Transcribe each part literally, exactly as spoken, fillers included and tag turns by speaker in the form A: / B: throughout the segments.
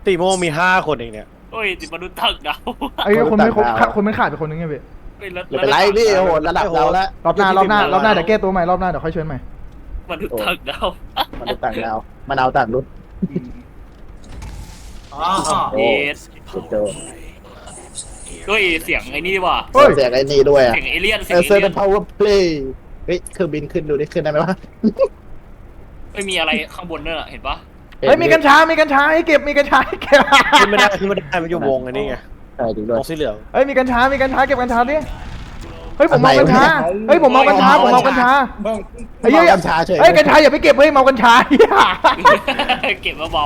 A: ตีโมงมีห้าคนเองเนี่ย
B: เฮ้ยติดมนุษย์ตักดาว
C: ไอ้คนไม่ครบคนไม่ขาดไปคนนึงไงพี่
B: เฮ้ยแล้ว
D: ไม่เป็นไรพี่โอ้โหระดับเราแล้ว
C: รอบหน้ารอบหน้ารอบหน้าเดี๋ยวแก้ตัวใหม่รอบหน้าเดี๋ยวค่อยเชิญใหม่
B: มนุษย์ตักดาว
D: มันต่างดาวมันเอาต่างรุ่น
E: อ๋อ
D: โอ้
B: เอส
D: เจอ
B: เฮ้ยเสียงไอ้นี่ว่ะ
C: เฮ้ย
D: เสียงไอ้นี่ด้วยอ่ะ
B: เสียงเอเลี่ยนเสี
D: เอย
B: ง
D: อ
B: เอ
D: เซอร์
B: เลี่
D: เป็
B: ย
D: น
B: น
D: power play เฮ้ยเครื่องบินขึ้นดูดิขึ้นได้ไหมวะ
B: ไม่มีอะไรข้างบนเนี่ยเห็นปะ
C: เฮ้ยมีกัญชา มีกัญชาให้เก็บมีกัญชาให้เก็บ
A: ขึ้นไม่ได้ขึ้นไม่ได้มันอยู่วงอันนี้ไง
D: ใช่จริงด้วย
A: วงสีเหลือง
C: เฮ้ยมีกัญชา มีกัญชาเก็บกัญชาดิเฮ้ยผมเมากัญชาเฮ้ยผมเมากัญชาผมเมากัญชา
E: บ้อง
C: ไอ้เหี้ย
D: กัญชาเฉย
C: เฮ้ยกัญชาอย่าไปเก็บเฮ้ยเมากัญชา
B: เก็บเบา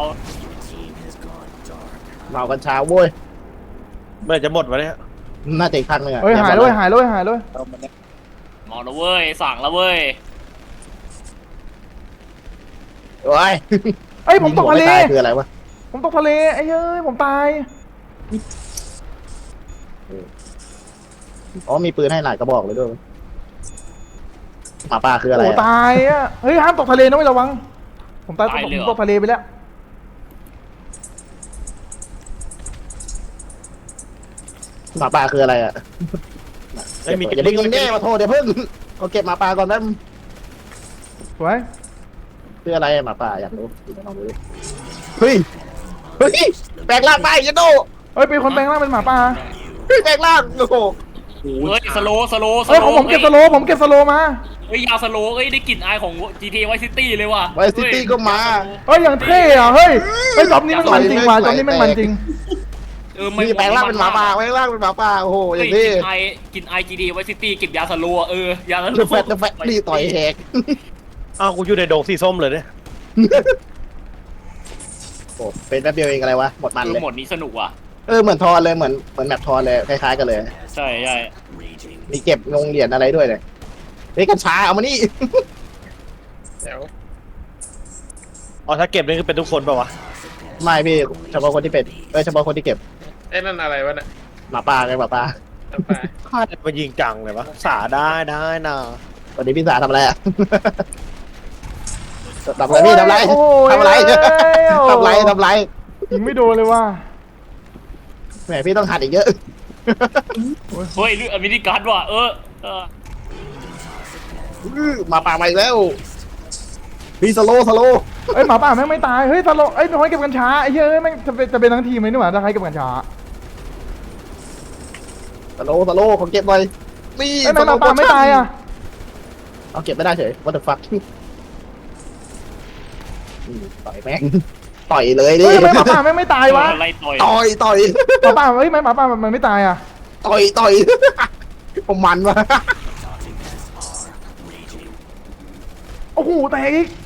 D: เมากัญชาโว้ย
A: เมื่อจะหมดวะเนี่ย
D: น่าจะอีกครั้งหนึงอ่ะ
C: เฮ้ยหายเลยหายเลยหายเลย
B: ๆมองแล้วเว้ยสั่งแล้วเว้ย
D: โอ้ย
C: เฮ้ยผมตกทะเล
D: มีหัวไม่ตายคืออะไรวะ
C: ผมตกทะเลไอ้เฮ้ยผมตาย
D: อ๋อมีปืนให้หลายกระบอกเลยด้วยหมาป่าคืออะไร
C: โอ้
D: อะ
C: ตายอ่ะเฮ้ยห้ามตกทะเลนะไม่ระวังผมตายผมตกทะเลไปแล้ว
D: หมาป่าคืออะไรอ่ะ
A: ไม่มี
D: อย่าเพิ่งแน่มาโทษเดี๋ยวเพิ่งเอาเก็บหมาป่าก่อนแป๊บ
C: สวย
D: คืออะไรอะหมาป่าอยากรู้ลองดูดิเฮ้ยเฮ้ยแปลงร่างไปยันโด
C: เฮ้ยเป็นคนแปลงร่างเป็นหมาป่า
D: เฮ้ยแปลงร่างโอ้โห
B: เฮ้ยสโลสโลส
C: เฮ้ย
B: โล
C: ของผมเก็บสโลผมเก็บสโลมา
B: เฮ้ยยาสโลเอ้ยได้กลิ่นอายของ จี ที เอ Vice City เลยว่ะ
D: ไวซิตี้ก็มา
C: เฮ้ยอย่างเท่อะเฮ้ยเฮ้ยจอบนี้มันมันจริงว่ะจอบนี้มันมันจริง
B: เออ
D: มีแปลงร่างเป็นหมาป่าแปลงร่างเป็นหมาป่าโอ้โหอ
B: เฮ้ย
D: ย่าง
B: ก
D: นี้
B: ลิ่นไอายกลิ่นไอ จี ที เอ Vice City เก็บยาสโลเออยาสโล
D: เดอะแฟตเดอะแฟตนี่ต่อยแหก
A: อ้าวกูอยู่ในโดงสีส้มเลยเนี่ย
D: โอ้เป็นแป๊บเดียวเองอะไรวะหมดมัน
B: คือ
D: เลย
B: หมดนี้สนุกว่ะ
D: เออเหมือนทอนเลยเหมือนเหมือนแมปทอนเลยคล้ายๆกันเลย
B: ใช่ใช่
D: มีเก็บงงเหรียญอะไรด้วยเลยเฮ้ยกัญชาเอามานี่
A: อ๋อถ้าเก็บนี่คือเป็นทุกคนเปล่าวะ
D: ไม่พี่เฉพาะคนที่เป็นเออเฉพาะคนที่เก็บ
E: ไอ้นั่นอะไรวะเนี่ย
D: หมาป่าไงหมาป่า
E: ต่อไป
A: ฆ่าแต่มายิงจังเลยวะสาได้ได้นะ
D: วันนี้พี่สาทำอะไรอะ ทำอะไรพี่ทำอะไร
C: โอ้ย
D: ทำอะไร
C: โอ้ย
D: ทำอะไรทำอะไร
C: ยิงไม่โดนเลยว่ะ
D: แหมพี่ต้องหัดอีกเยอะ
B: เฮ้ยอมินิการ์ดว่ะเออเออ
D: อื้อหมาป่ามาอีกแล้วพี่สโลสโล
C: เอ้ยหมาป่าแม่งไม่ตายเฮ้ยตลกเอ้ยน้อยเก็บกัญชาไอ้เหี้ยเอ้ยแม่งจะเป็นจะเป็นทั้งทีมเลยนี่หว่าถ้าใครเก็บกัญชา
D: สโลสโลของเก็บหน่อยนี่
C: เอ้ยแม่งหมาป่าไม่ตายอ่ะ
D: เอาเก็บไม่ได้เฉย what the fuck อืมต่อยแม่งต่อยเลยดิ
C: เฮ้ยทำไมหมาป่าแม่งไม่ตายวะ
B: อะไรต่อย
D: ต่อยต่อย
C: หมาป่าเฮ้ยไม่หมาป่ามันไม่ตายอ่ะ
D: ต่อยต่อยผมมันวะ
C: โอ้โหแตกอีก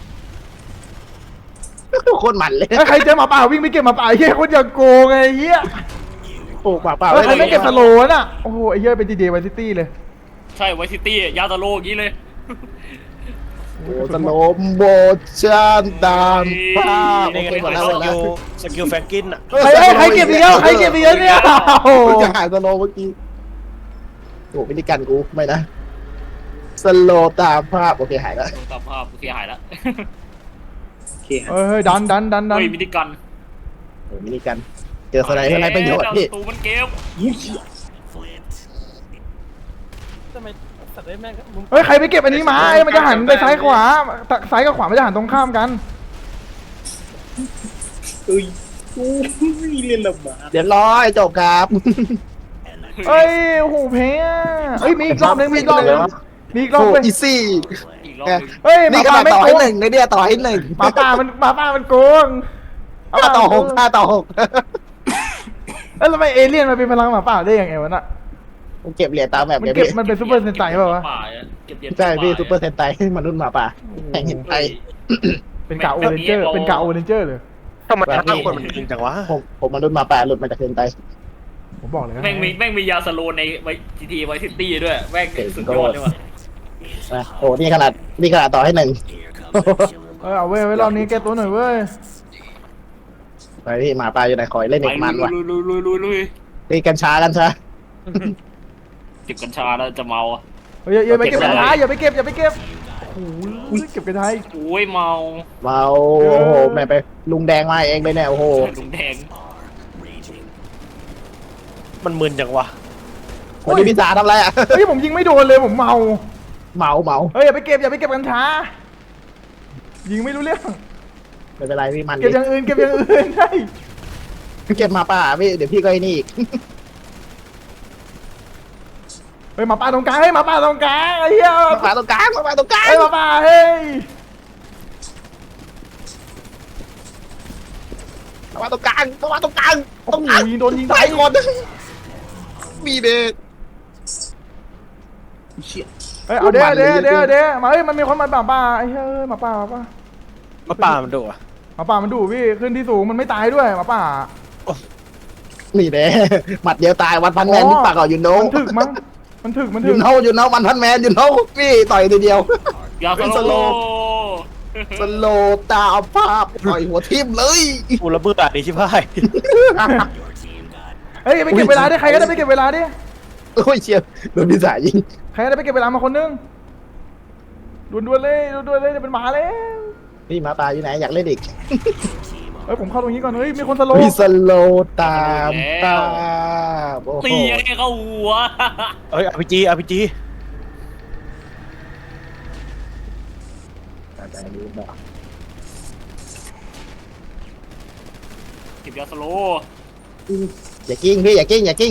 D: โคตรมันเลย
C: ถ้าใครเจอหมาป่าวิ่งไปเก็บหมาป่าไอ้เหี้ยคนอย่างโกงไงไอ้เหี้ย
D: โอ้ป่าป่า
C: เออใครไม่เก็บสโลว์น่ะโอ้โหไอ้เหี้ยเป็นดีเดย์ไวซิตี้เลย
B: ใช่ไวซิตี้ยาสโลอย่างนี้เลย
D: โอ้สโลมโบชานตามภาพ
A: นี่
D: โอ
A: ไง
D: เคหมดแล้ว
A: ส
D: หมดแล้
A: กิ
D: ว
A: ลสกิลแฟรงกินอ่ะ
C: ใครเอ้ยใครเก็บอีกแล้วใครเก็บอีกแล้วเนี่ยโอ้โห
D: กูจะหายสโลเมื่อกี้โอ้ไม่ได้กันกูไม่นะสโลตามภาพโอเคหายแล้ว
B: ตามภาพโอเคหายแล้ว
D: โอเค
C: เฮ้ยเฮ้ยดันดันดันดัน
B: เฮ้ยมินิกัน
D: โอ้ไม่ได้กันเจอสไลด์อะไรประโยชน์พี่
B: ตูมันเกม
C: เฮ้ยใครไปเก็บอันนี้มาไอ้มันจะหันไปซ้ายขวาซ้ายกับขวามันจะหันตรงข้ามกัน
E: เอ้ยกูเรียนลำบาก
D: เรียบร้อยจบครับ
C: เฮ้ยโอ้โหแพ้อะเฮ้ยมีอีกรอบนึงมีอีกรอบนึงมีอีกรอบ
D: โอ้
C: นึง
D: อีซี่
B: อีกรอบนึง
C: เฮ้ยห
D: นี่
C: มา
D: ข
C: ป่า
D: นาด
C: ไม่
D: ต่อ
C: โก
D: ให้
C: ง
D: หนึ่งในเนี่ยต่อให้หนึ่ง
C: หมาป่ามันหมาป่ามันโกง
D: ห้าต่อหกห้าต่อหก
C: เอ้ยแล้วทำไมเอเลี่ยนมันเป็นพลังหมาป่าได้ยังไงวะน่ะ
D: ผมเก็บเหรียญตามแบบ
C: มัน
D: เนี้ย
C: เก็บ
D: พี่
C: มันเป็นซูเปอร์เซนไตเปล่าวะ
B: ป่าอะเก็บเหรียญ
D: ใช่พี่
B: ป่า
D: ซูเปอร์เซนไตมนุษย์หมาป่าแห่งหินไทย
C: เป็นกาโอเรนเจอร์เป็นกาโอเรนเจอร์เลย
A: ทำไมห้าคนมันยิงจังวะ
D: ผมผมมนุษย์หมาป่าหลุดมาจากเซนไต
C: ผมบอกเลยนะ
B: แม่งมีแม่งมียาสโลในไวจีทีไวซิตี้ด้วยแม่งสุดยอดด้วยว่ะ
D: นะโอ้นี่ขนาดนี่ขนาดต่อให้หนึ่ง
C: เออเอาเว้ยไว้รอบนี้แก้ตัวหน่อยเว้ย
D: ไปพี่หมาป่าอยู่ไหนคอยเล่น
B: ไป
D: เอกมันวะ
B: ลุยลุยลุยลุยลุย
D: ตีกัญชากันซะ
B: เก็บกัญชาแล้วจะเมาอะ
C: เฮ้ยอย่าอย่าไปเก็บกัญชาอย่าไปเก็บอย่าไปเก็บโอ้โหเก็บกระทาย
B: โอ้ยเมา
D: เมาโอ้โหแม่ไปลุงแดงมาเองเลยเนี่ยโอ้โห
B: ลุงแดง
A: มันมึนจังวะ
D: วันนี้พี่สาทำอะไรอ่ะ
C: เฮ้ยผมยิงไม่โดนเลยผมเมา
D: เมาเมา
C: เฮ้ยอย่าไปเก็บอย่าไปเก็บกัญชายิงไม่รู้เรื่อง
D: ไม่เป็นไรพี่มัน
C: เก็บอย่างอื่นเก็บอย่างอื่นใช่
D: เก็บมาป่าพี่เดี๋ยวพี่ก็ไอ้นี่อีก
C: เฮ้ยหมาป่าตรงกลางเฮ้ยหมาป่าตรงกลางไอ้เหี้ย
D: มาป่าตรงกลางมาป่าตรงกลาง
C: เฮ้ยหมาป่าเฮ้ย
D: มาป่าตรงกลางมาป่าตรงกลาง
C: โอ้
D: ตรง
C: โห
D: กลาง
C: ยิงโดนยิง
D: ตา
C: ตาย ย
D: คนมีเดชเชี่ย
C: เฮ้ยเอาเด้อเด้อเด้อเด้อมาเฮ้ยมันมีคนมาหมาป่าไอ้เฮ้ยหมาป่าหมาป่า
A: มาป่ามันดุอ่ะ
C: หมาป่ามันดุพี่ขึ้นที่สูงมันไม่ตายด้วยหมาป่า
D: นี่เด้หมัดเดียวตายวันพันแมนที่ปากอ่ะยูโน่
C: มันถึกมั้งมันถึกมันถึ
D: ยู
C: ก
D: โน่ยูโน่วันพันแมนยูโน่พี่ต่อยทีเดียว
B: ยา
D: เป็น
B: ส
D: ส
B: โล
D: โล สโลตาภาพต่อยหัวทิ่มเลย
A: กูระเบิดดีชิบหาย
C: เฮ้ยไปเก็บเวลาดิใครก็ได้ไปเก็บเวลาดิ
D: โอ้ยเชียร์โดนพิสายิง
C: ใครก็ได้ไปเก็บเวลามาคนนึงด่วนๆเลยด่วนๆเลยจะเป็นหมาแล้ว
D: พี่มาตาอยู่ไหนอยากเล่นอีก
C: เฮ้ยผมเข้าตรงนี้ก่อนเฮ้ยมีคนสโล
D: พี่สโลตามตาโอ้โห
B: ตีให้เข้าหัว
A: เฮ้ยอาร์พีจีอาร์พีจี
B: เก็บยาสโล
D: อย่ากิ้งพี่อย่ากิ้งอย่ากิ้ง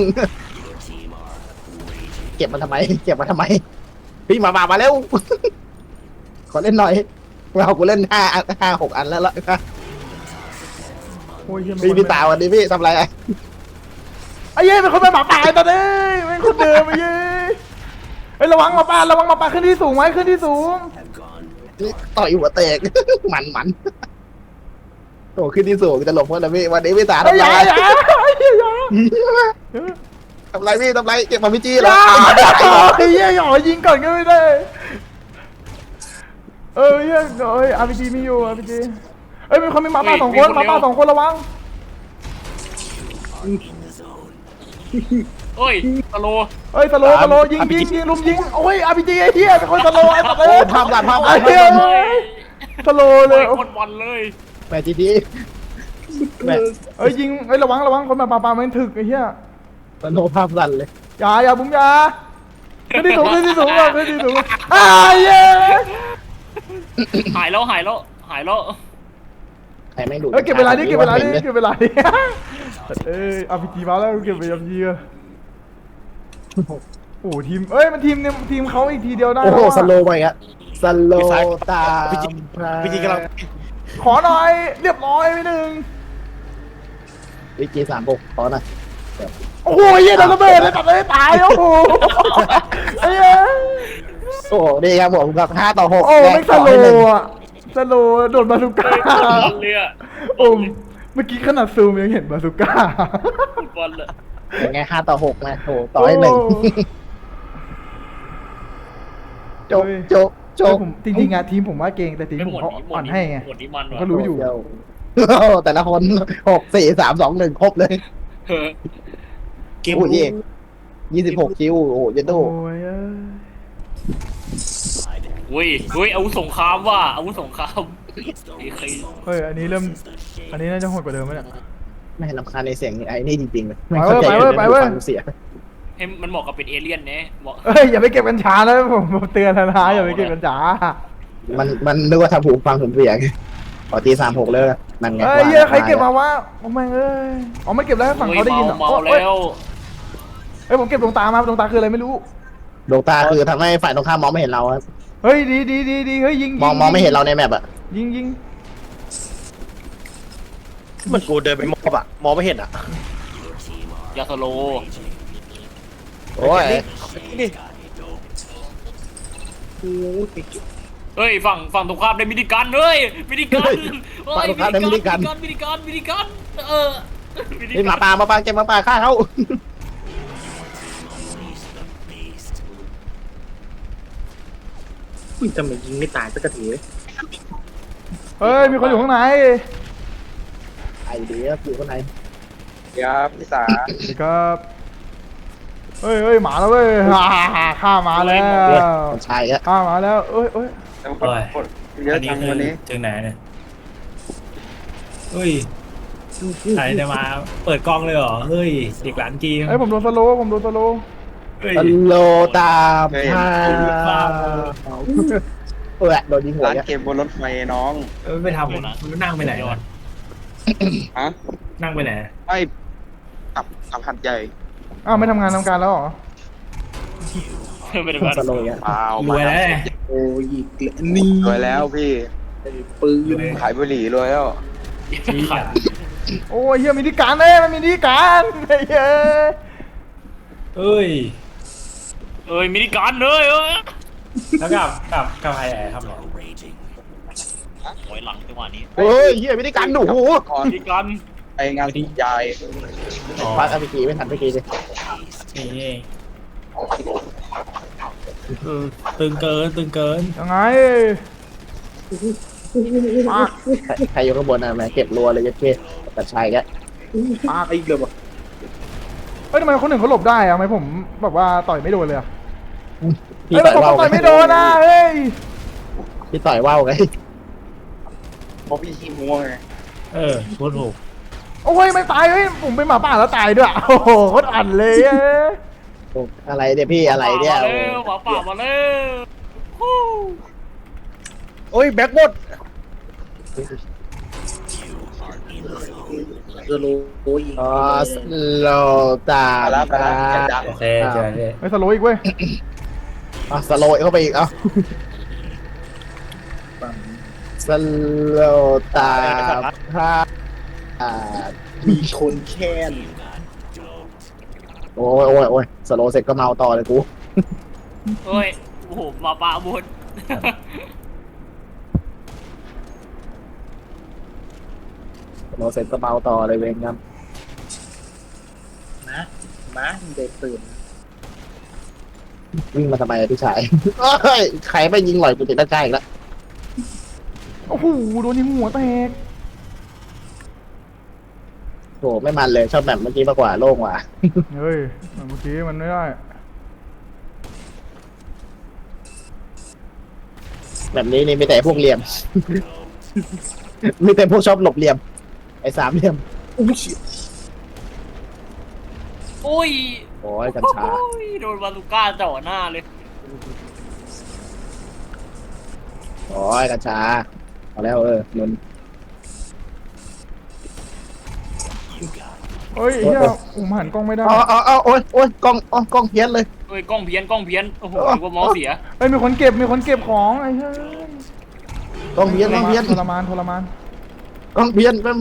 D: เก็บมันทำไมเก็บมันทำไมพี่มาบามาเร็วขอเล่นหน่อยเรากูเล่นห้าห้าหกอันแล้วละ
C: โอ้ยเหี้ย
D: พี่พี่ตาวันนี้พี่ทำอะไรอ่ะ
C: ไอ้เย้เป็นคนเป็นหมาป่าตอนนี้เป็นคนเดิมไอ้เย้เฮ้ยระวังหมาป่าระวังหมาป่าขึ้นที่สูงไว้ขึ้นที่สูง
D: นี่ต่อยหัวแตก มันมันโอ้ขึ้นที่สูงจะหลบเพื่อนนะพี่วันนี้พี่ตา
C: ไอ้
D: ทำ
C: ยา
D: ไร
C: อย่าอย่าอย่า
D: ทำไรพี่ทำไรเก็บมาพี่จี้
C: อ
D: แล้
C: ย่าว ไอ้เหี้ยหยอยิงก่อนก็ไม่ได้เออเหี้ยเอ้ยอาร์พีจีมีอยู่อาร์พีจีเอ้ยมีคนมีหมาป่าสองคนหมาป่าสองคนระวัง
B: เฮ้ยสโล
C: เอ้ยสโลสโลยิงยิงยิงลุมยิงโอ้ยอาร์พีจีไอ้เหี้ยเป็นคนสโลไอ้สัตว์
D: โอ้
C: เอ้ย
D: ภาพหลังภาพหลั
C: ไอ้
D: ง
C: เหี้ยสโลเล
B: เลย ยคนบอลเลย
D: แม่จีดีแม่
C: เอ้ยยิงเอ้ยระวังระวังคนมาป่าป่ามันถึกไอ้เหี้ย
D: สโนภาพสั่นเลย
C: อย่าอย่าบุ้มอย่าขึ้นที่สูงขึ้นที่สูงขึ้นที่สูงอ้าเย้
B: หายแล้วหายแล้วหายแล้ว
D: ใครไม่ดู
C: เอ้ยเก็บเวลาดิเก็บเวลาดิเก็บเวลาดิเอ้ยอาร์พีจีมาแล้วเก็บไปอาร์พีจีโอ้ทีมเอ้ยมันทีมเนี่ยทีมเขาอีกทีเดียวได้
D: โอ้โห
C: แล้วอะ
D: สโลไปอ่ะสโลตา
A: พี่จีพี่จีกำลัง
C: ขอหน่อยเรียบร้อยไปหนึ่ง
D: วิจีสามหกขอหน่อย
C: โอ้โหเหี้ยโดนระเบิดเลยตัดเลยตายโอ้โหไอ้เหี้ย
D: โอ้โหดีครับผมกับห้าต่อหก
C: โอ้ไม่สโลอ่ะสโลโดนบาซูก้า
B: บอลเลยอะ
C: โอ้เมื่อกี้ขนาดซูมยังเห็นบาซูก้า
B: บอลเลย
D: ยังไงห้าต่อหกนะโอ้ต่อให้หนึ่งจบจบจบ
C: ผมจริงๆอะทีมผมว่าเก่งแต่ทีมผมเขาอ่อนให้ไง
B: หมดนี้มัน
C: ก็รู้อยู่
D: เดี๋ยวแต่ละคนหกสี่สามสองหนึ่งครบเลย
B: เออ
A: กิม
D: โอ้ยยี่สิบหกคิวโอ้โหเยันโต
C: โอ้ยเอ้ย
B: อุ้ยอุ้ยอาวุธสงครามว่ะอาวุธสงครามไอ้ใคร
C: เฮ้ยอันนี้เริ่มอันนี้น่าจะโหดกว่าเดิมไหมเนี่ย
D: ไม่รำคาญในเสียงไอ้นี่จริงๆเลย
C: ไปเว้ยไปเว้ยไปเว้ย
D: ฟังเสียง
B: ให้มันเหมาะกับเป็นเอเลี่ยนเนี่ยเหมาะ
C: เฮ้ยอย่าไปเก็บกัญชานะผมผมเตือนแล้วนะอย่าไปเก็บกัญชา
D: มันมันนึกว่าทำหูฟังผมเสียงขอตีสามหกเลยนั่นไง
C: เฮ้ยเหี้ยใครเก็บมาวะโอ้แม่งเอ้ยอ๋อไม่เก็บแล้วให้ฝั่งเขาได้ยินเหรอ
B: เมา
C: โอ้ย
B: แล้ว
C: เฮ้ยผมเก็บดวงตามาดวงตาคืออะไรไม่รู้
D: ดวงตาคือทำให้ฝ่ายตรงข้ามมองไม่เห็นเราอะ
C: เฮ้ยดีดีดีดีเฮ้ยยิง
D: มองมองไม่เห็นเราในแมปอะ
C: ยิงยิง
A: เหมันกูเดินไปมอบอะมองไม่เห็นอะ
B: ยาสโล
D: โอ้ย
A: นี่
B: เฮ้ยฝั่งฝั่งตรงข้ามได้มินิกันเฮ้ยมินิกัน
D: ฝ่ายตรงข้ามได้มินิกัน
B: มินิกันมินิกันเออมินิ
D: นี่ห
B: กั
D: มาน ป่ามาป่าเก็บหมาป่าฆ่าเขา
E: อุ้ยทำไมยิงไม่ตายสักทีเลย
C: เฮ้ยมีคนอยู่ข้างใน
D: ไอเดียอยู่ข้างใน
E: ครับพี่สา
C: สวัสดีครับเฮ้ยเฮ้ยหมาแล้วเว้ยฮ่าฮ่าฮ่าฆ่าหมาแล้ว
D: คนชายอะ
C: ฆ่าหมาแล้วเอ้ยเอ้ย
E: เอแต่ว่า
B: โอ้ย
E: คนเยอะ
B: อันนี้
E: จัง
B: คือ
E: วันนี้
B: ถึงไหนเนี่ยเฮ้ยใครจะมาเปิดกล้องเลยเหรอเฮ้ยเด็กหลานจีน
C: ไอ้ยผมโดนสโลว์ผมโดนสโลว์
B: เฮ้ย
D: ตโลตาม
E: เคยเห็น
D: พาเออโดนยิงหัว
E: ร้าน
D: เนี่ย
E: เกมบนรถไฟน้อง
B: เออไม่ทำนะมันนั่งไปไหนวะ
E: ฮะ
B: นั่งไปไหน
E: ไม่กลับกลับหัดใหญ่
C: อ้าวไม่ทำงานทำการแล้วเหรอ
B: ไม่ได้
D: สโลว์เนี่ย
E: เปล่าร
B: วยแล้ว
A: โอ้ยนี่
E: รวยแล้วพี่
A: ปืน
E: ขายบุหรี่รวยแล้ว
B: ชี้อ่ะ
C: โอ้ยเฮียมีที่การเลยมันมีที่การไอ้เหี้ย
B: เอ้ยเอ้ยมินิการเลยเออแล้วกับกับกับใครทำหรอถอยหลังจังหวะนี้
D: เฮ้ยเฮียไม่ได้กันหนู
E: ก่อน
B: มินิการ
E: ไปงานยาย
D: พักเอาไปกี่ไม่ทันไปกี่เลย
B: นี่เองเออตึงเกินตึงเกิน
C: ยังไงปาก
D: ใครอยู่ข้างบนอ่ะแม่เก็บรัวเลยยัดเก้แต่ชายแก
A: ปาอีกเลยบ่
C: เฮ้ยทำไมคนหนึ่งเขาหลบได้อะทำไมผมแบบว่าต่อยไม่โดนเลยอะ
D: พี่
C: เฮ้ย
D: ต่อย
C: ผม
D: ว่าว
C: ต่อยไม่โดนนะเฮ้ย
D: พี่ต่อยว่าวไง
E: เพราะพี่ขี้มัวไง
B: เออพูดถูก
C: โอ้ยไม่ตายเฮ้ยผมเป็นหมาป่าแล้วตายด้วยโอ้โหโคตรอันเลยเอ้ย
D: อะไรเนี่ยพี่อะไรเนี่ย
B: หมาป่ามาแล้ว
A: โอ้ยแบ็คหมดสโลว์ยิง
D: อ๋อสโลตา
E: ไปแล้วไปแล้วจะดัง
B: โอเคเจอเลย
C: ไม่สโลว์อีกเว้ย
D: อ๋อสโลเข้าไปอีกเอ้าสโลตาพา
A: มีคนแค้น
D: โอ้ยโอ้ยโอ้ยสโลเสร็จก็เมาต่อเลยกู
B: เฮ้ยโอ้โหหมาป่าบุญ
D: สโลเสร็จก็เมาต่อเลยเวงครับ
A: นะมาเด็กตื่น
D: วิ่งมาทำไมอะพี่ชายเฮ้ยใครไม่ยิงหล่อยกูติดด้านใกล้อีกแล้ว
C: โอ้โหโดนยิงหัวแตก
D: โหไม่มันเลยชอบแบบเมื่อกี้มากกว่าโล่งกว่า
C: เฮ้ยเมื่อกี้มันไม่ได้
D: แบบนี้นี่มีแต่พวกเหลี่ยม มีแต่พวกชอบหลบเหลี่ยม ไอ้สามเหลี่ยม
A: อุ้ยเชี่ย
B: โอ้ย
D: โอ้ยกัญชา
B: โอ้ยโดนบาลูก้าจ่อหน้าเลย
D: โอ้ยกัญชาเอาแล้วเออนุน
C: เฮ้ยเฮียผมหันกล้องไม่ได้
D: อ๋ออ๋ออ๋อโอ้ยโอ้ยกล้องอ๋อกล้องเพี้ยนเลย
B: เฮ้ยกล้องเพี้ยนกล้องเพี้ยนโอ้โหนึกว่าเมาส์เสีย
C: เฮ้ยมีคนเก็บมีคนเก็บของไอ้เฮ้ย
D: กล้องเพี้ยนกล้องเพี้ยน
C: ทรมานทรมาน
D: กล้องเพี้ยนแป๊บ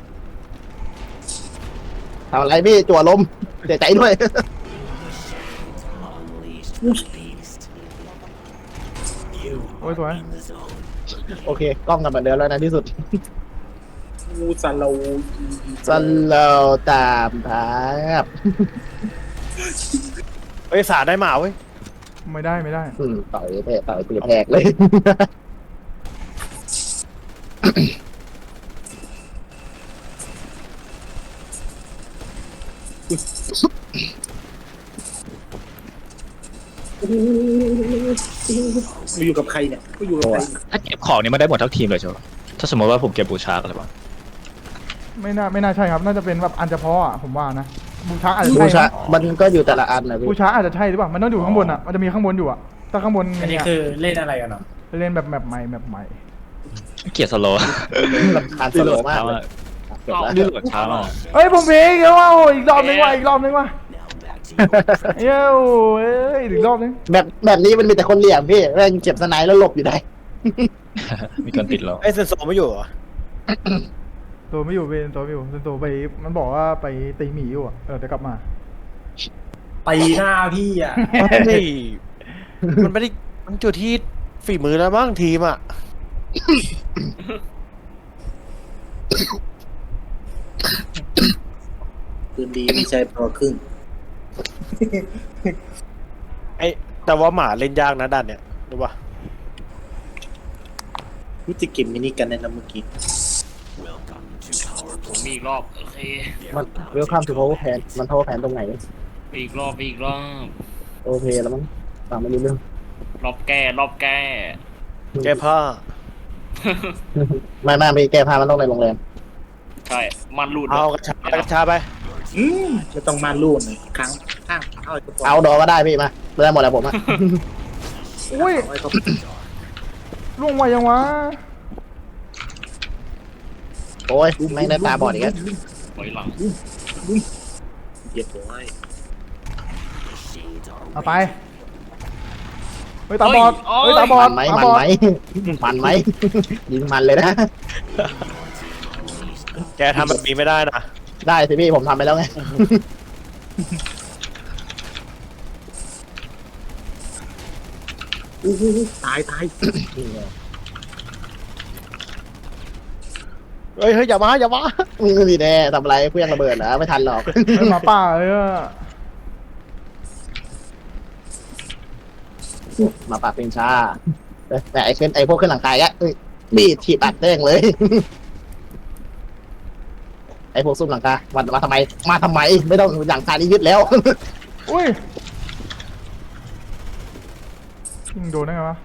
D: ทำอะไรพี่จั่วลมเสียใจด้วย
C: โอ้ยสวย
D: โอเคกล้องกลับมาเดิมแล้วนะที่สุด
A: งูสโลว์
D: สโลตามภาพ
A: เฮ้ยสาได้หมาเว้ย
C: ไม่ได้ไม่ได้
D: อืมต่อยแตะต่อยตีแตกเลย
A: กูอยู่กับใครเนี่ยกูอยู่กับใคร
F: ถ้าเก็บของนี่มันได้หมดทั้งทีมเลยใช่ไหมถ้าสมมติว่าผมเก็บบูชาอะไรบ้าง
C: ไม่น่าไม่น่าใช่ครับน่าจะเป็นแบบอันเฉพาะอ่ะผมว่านะบูชาอาจจะ
D: บู
C: ใช่
D: ชา
C: นะ
D: มันก็อยู่แต่ละอันนะพี่
C: บูชาอาจจะใช่หรือเปล่ามันต้องอยู่ข้างบนอ่ะมันจะมีข้างบนอยู่อ่ะถ้าข้างบน
B: อันนี้
C: เนี่ย
B: คือเล่นอะไรกันเนาะ
C: เล่นแบบแมปใหม่แมปใหม่
F: เกลียดสโลว์
D: รำคาญสโลมากเลยจบแล้ว
F: นี่โหลดช้ามาก
C: เอ้ยผมเพลงเดี๋ยวว่าโอ้ยอีกรอบนึงว่ะอีกรอบนึงว่ะเย้ยเอ้ยอีกรอบนึง
D: แบบแบบนี้มันมีแต่คนเหลี่ยมพี่แม่งเจ็บสไนด์แล้วหลบอยู่ได้
F: มีคนติดเรา
A: ไอ้เซนโซไม่อยู่เหรอ
C: ตัวไม่อยู่เป็นตัวไม่อยู่เป็นตัวไปมันบอกว่าไปตีหมีอยู่อ่ะเออเดี๋ยวกลับมา
B: ตีหน้าพี่อ่ะ
A: เฮ้ยมันไม่ได้มันจุดที่ฝีมือแล้วบ้างทีมอ่ะ
G: คืนดีไม่ใช่พอครึ่ง
A: ไอ้แต่ว่าหมาเล่นยากนะด้านเนี้ยรู้ป่ะ
G: รู้จะเก็บมินิกันในน้ำเมื่อกี้
B: ผมมีอีกรอบโอเค
D: มันเวลคัมทูโพแพนมันโพแพนตรงไหน
B: มีอีกรอบมีอีกรอบ
D: โอเคแล้วมั้งฟังไม่รู้เรื่อง
B: รอบแก้รอบแก้
A: แก้ผ้า
D: ไม่ไม่ไม่แก้ผ้ามันต้องในโรงแรม
B: ใช่มันรูด
A: เอากระชากระชาไป
G: อืมไม่ต้องมาลู่หน่อยครั้งข้างเอาไอ้กระป๋อง
D: เอาดอก็ได้พี่มาไม่ได้หมดแล้วผมอะ
C: อุ้ย
G: เอาไอ้กระ
C: ล่วงไวยังวะ
D: โอ้ยไม่งได้ตาบอดอีกแล้ว
B: ถอยหลัง
G: เหยียดหัวไอ้
C: เอาไปเฮ้ยตาบอดเฮ้ยตาบอ
D: มั
C: ด
D: นไหม
C: ตา
D: มัน
C: บอด
D: ไหมมันไหมยิงมันเลยนะ
A: แกทำแบบนี้ไม่ได้นะ
D: ได้สิพี่ผมทำไปแล้วไง
G: อู้หูตายตาย
A: เฮ้ยเฮ้ยอย่ามาอย่ามา
D: มึงนี่แน่ทำอะไรเพื่อนระเบิดเหรอไม่ทันหรอก
C: เฮ้ยหมาป่าเลยอะ
D: มาปากเป็นชาแต่ไอ้ขึ้นไอ้พวกขึ้นหลังกายอะเอ้ยบีดถีบอัดเด้งเลย ไอ้พวกซุ่มหลังกามามาทำไม มาทำไม ไม่ต้องหลังคานี้ยึดแล้ว
C: อุ้ยยิงโดนได้ไงวะ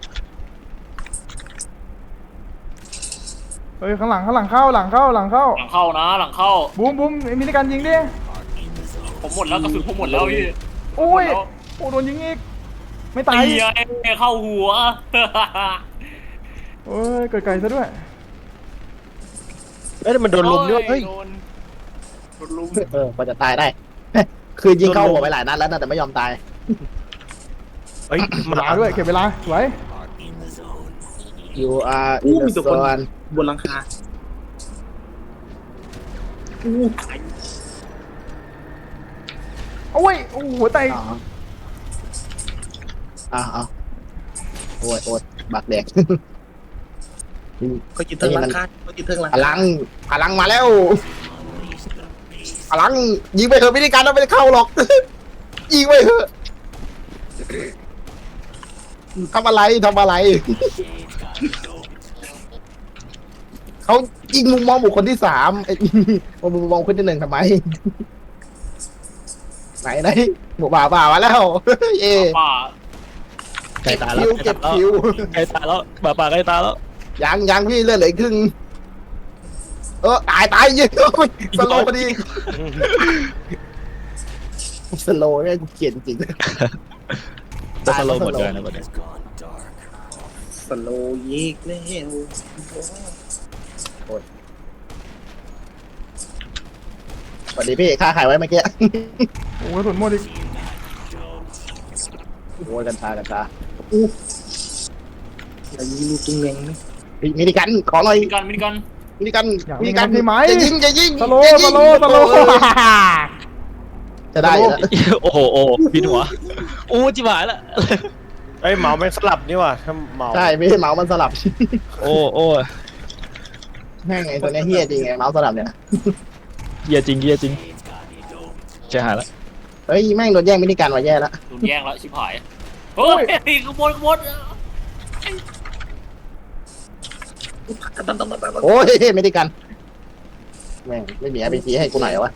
C: เฮ้ยข้างหลังข้างหลังเข้าหลังเข้าหลังเข้า
B: หลังเข้านะหลังเข้า
C: บูมบูมมีในการยิงดิ
B: ผมหมดแล้วกระสุนผมหมดแล้วพี่
C: โอ้ยโอ้โดนยิงอีกไม่ตา
B: ตาย
C: ย
B: เข้าหัว
C: โอ้ยเกิดไกลซะด้วย
A: เอ้ยมันโดนลุมด้วยเฮ้ย
B: โดนโดนลุม
D: เออพอจะตายได้ คือยิงเข้าหัวไปหลายนัดแล้วนะแต่ไม่ยอมตาย
A: เฮ้ย
C: เวลาด้วยเก็บเวลาสวย
D: you are
G: อู้
D: in
G: มี
D: the
G: ตัวคน
D: zone
G: บนหลังคาอู้ตาย
C: โอ้ยโอ้โหหัวใจ
D: อ๋ออ้าวอ้าวโอ้ยโอ้ยบักแดก
G: เขาจิตเทิงหลังคาเขาจิตเทิงหลัง
D: พลังพลังมาแล้วพลังยิงไปเถอะไม่ได้การแล้วไม่ได้เข้าหรอก ยิงไปเถอะทำอะไรทำอะไร เขายิงมุมมองบุคคลที่สามไอ้ มุมมองคนที่หนึ่งทำไม ไหนไหนหมูป่าป่ามาแล้ว เย่
B: ป่า
F: ใกล้ตายแล้
D: คิ
F: ว
D: วเก็บคิว
F: ใกล้ตายแล้วหมาป่าใกล้ตายแล้ว
D: ยังยังพี่เลือดเหลืออีกครึ่งเออตายตายยิง สโลว์พอดีสโลว์เนี่ยกูเกลียดจริง
F: จะสโลว์หมดเลยนะประเด็น
G: สโลว์ยิกแล้ว
D: สวัสดีพี่ค่าขายไว้เมื่อกี้
C: โอ้ยสุดหมดอีก
D: โอ้ยกัญชากัญชา
G: อย่ายิงลูกตุ้งแรงนะ
D: มีมินิกันขอหน่อย
B: มินิกันมินิกัน
D: มินิกัน
C: อยาก
D: มิ
C: มี
D: นิ
C: กั
D: กัน น
C: ใช่ไหม
D: จะยิงจะยิง
C: สโล
D: จะ
C: ว์
D: ยิ
C: ส
D: ง
C: โลว์สโลว์
D: จะได้แล้ว
F: โอ้โหโอ้บินหัวอู้จิ๋วหายละ
A: เอ้ยเหมาไม่สลับนี่ว่ะถ้าเหมา
D: ใช่พี่เมาส์มันสลับ
F: โอ้โอ้
D: แม่งไงตัวเนี้ยเฮี้ยจริงไงเมาส์สลับเนี่ย
F: เยียจริงเยียจริงจะหายละ
D: เฮ้ยแม่งโดนแย่งมินิกันมาแย่แล้ว
B: โดนแย่งแล้วชิบหายเฮ้ยขบวนขบวน
D: โอ้ยมินิกันแม่งไม่มีอาร์พีจีให้กูหน่อยวะ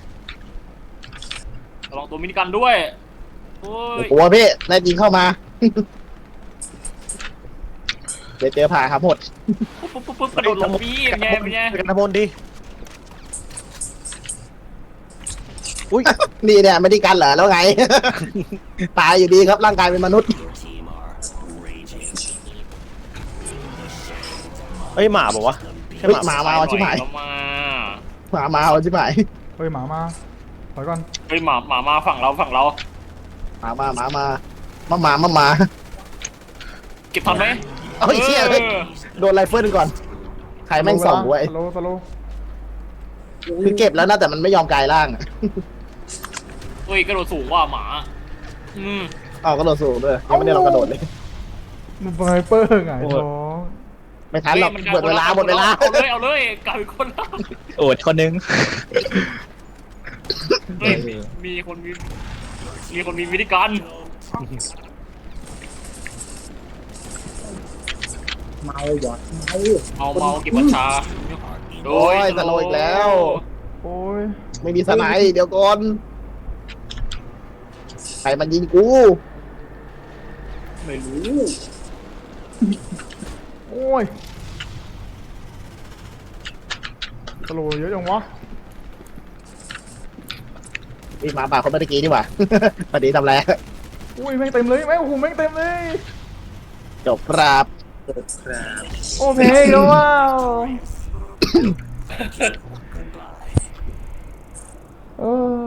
B: ลองตัวมินิกันด้วยโอ้ย
D: กลัวพี่นายยิงเข้ามา เดี๋ยวเจอผ่าครับหมด
B: ปุ๊บปุ๊บปุ๊บปุ๊บกระโดดลงพี่เป็นไงเป็นไง
A: กันนะพลดี อุ้ย
D: นี่เนี่ยไม่ได้กันเหรอแล้วไง ตายอยู่ดีครับร่างกายเป็นมนุษย์
A: เฮ้ยหมาบอกวะใช่
D: เฮ้ย
A: ห
D: ห
A: มา
D: มามาเอาชิบหาย
B: แล้วมา
D: หมามาเอาชิบหาย
C: เฮ้ยหมามาถอยก่อน
B: เฮ้ยหมาหมามาฝั่งเราฝั่งเรา
D: หมามาหมามามามามามา
B: เก็บทันไหม
D: เอ้ยเชี่ยเฮ้ยโดนไรเฟิลก่อน ใครแม่งส่องไว้
C: สโลว์สโลว์
D: คือเก็บแล้วนะแต่มันไม่ยอมกลายร่างอะ
B: เฮ้ยกระโดดสูงว่ะหมาอืม
D: เอากระโดดสูงด้วยยังไม่ได้ลองกระโดดเลย
C: มันไวเปอร์ไงน้อง
D: ไม่ทันหรอก
B: ฮ้ย
D: หมดเวลาหมดเวลา
B: เอาเลยเอาเลยกลายเป็นคนละ
F: โอดคนนึง
B: เฮ้ยมีคนมีมีคนมีวิธีการ
G: เมาหยอดเมา
B: เมาเมาเก็บบัญชา
D: โอ้ยสโลว์อีกแล้ว
C: โอ้ย
D: ไม่มีสไนด์เดี๋ยวก่อนใครมันยิงกู
G: ไม่รู้
D: โอ้
C: อ้ยสโลว์เยอะจังวะ
D: พี่หมาป่าคนเมื่อกี้ดีกว่า พอดีทำไร
C: อุ้ยแม่งเต็มเลยแม่งโอ้โหแม่งเต็มเลย
D: จบครับ
G: ครับ
C: โอ้เพลงแล้วว้าวเออ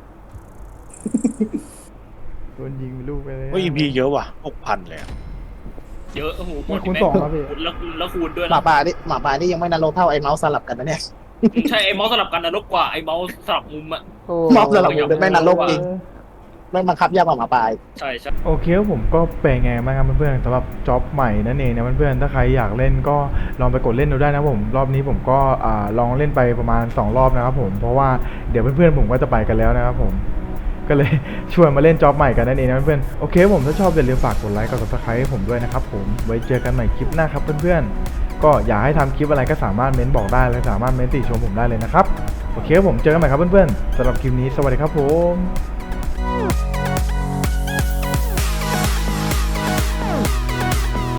C: โดนยิงลูกไปเลย
A: ว่าอีพีเยอะว่ะหกพันเลยอะ
B: เยอะโอ้โหหม
C: ไม่
B: ด
C: คูณ
B: แม่
C: สองครับพี่
B: คูณแล้วแล้วคูณด้วย
D: หมา
B: นะ
D: ป่านี่หมาป่านี่ยังไม่นรกเท่าไอ้เมาส์สลับกันนะเนี่ย
B: ใช่ไอ้เมาส์สลับกันนรกกว่าไอ้เมาส์สลับมุมอะ
C: โอ้
D: มอบสลับมุมเป็นแม่นรกจริง ไม่บังคับยากกว่าหมาป่าอีก
B: ใช่ใช่
C: โอเคครับผมก็เป็นไงบ้างครับเพื่อนๆสำหรับจ็อบใหม่นั่นเองนะเพื่อนๆถ้าใครอยากเล่นก็ลองไปกดเล่นดูได้นะผมรอบนี้ผมก็อ่าลองเล่นไปประมาณสองรอบนะครับผมเพราะว่าเดี๋ยวเพื่อนๆผมก็จะไปกันแล้วนะครับผมก็เลย ชวนมาเล่นจ็อบใหม่กันนั่นเองนะเพื่อนๆโอเคครับผมถ้าชอบอย่าลืมฝากกดไลค์กด ซับสไครบ์ ให้ผมด้วยนะครับผมไว้เจอกันใหม่คลิปหน้าครับเพื่อนๆก็อยากให้ทำคลิปอะไรก็สามารถเม้นบอกได้และสามารถเม้นติชมผมได้เลยนะครับโอเคครับผมเจอกันใหม่ครับเพื่อนๆสำหรับคลิปนี้สวัสดีครับผม